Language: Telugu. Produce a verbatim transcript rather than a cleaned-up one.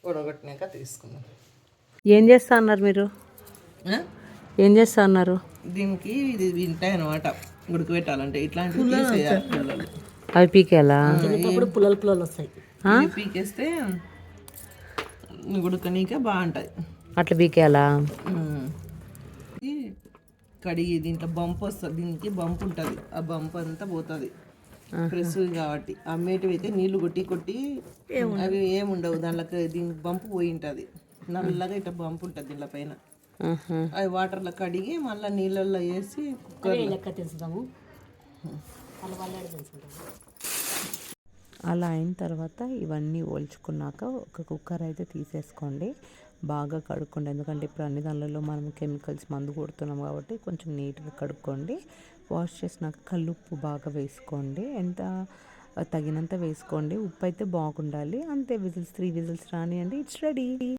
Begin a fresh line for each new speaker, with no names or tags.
ఉడగొట్టినాక తీసుకుందాం.
ఏం చేస్తా అన్నారు మీరు? ఏం చేస్తా అన్నారు?
దీనికి ఇది వింటాయి అనమాట, ఉడకబెట్టాలంటే ఇట్లాంటివి తీసేయాలి పుల్లలు.
అవి పీకేలా?
పుల్లలు పుల్లలు వస్తాయి.
ఇది పీకేస్తే ఉడకనీక బాగుంటుంది.
అట్లా పీకేలా?
ఇది కడిగి దీంట్లో బంప్ వస్తుంది, దీనికి బంప్ ఉంటుంది, ఆ బంప్ అంతా పోతుంది ప్రెస్ కాబట్టి. అమ్మేటివి అయితే నీళ్లు కొట్టి కొట్టి అవి ఏముండవు, దాంట్లోకి దీనికి బంపు పోయి ఉంటుంది, నల్లగా ఇట్లా బంపు ఉంటుంది దీంట్లో పైన. అవి వాటర్లో కడిగి మళ్ళీ నీళ్ళల్లో వేసి కుక్కర్
లెక్క తెలుసుదాము.
అలా అయిన తర్వాత ఇవన్నీ ఓల్చుకున్నాక ఒక కుక్కర్ అయితే తీసేసుకోండి, బాగా కడుక్కోండి. ఎందుకంటే ఇప్పుడు అన్ని దానిలలో మనం కెమికల్స్ మందు కొడుతున్నాం కాబట్టి కొంచెం నీట్గా కడుక్కోండి. వాష్ చేసినాక కల్లుప్పు బాగా వేసుకోండి, ఎంత తగినంత వేసుకోండి. ఉప్పు అయితే బాగుండాలి. అంతే, విజిల్స్ త్రీ విజిల్స్ రానియండి, ఇట్స్ రెడీ.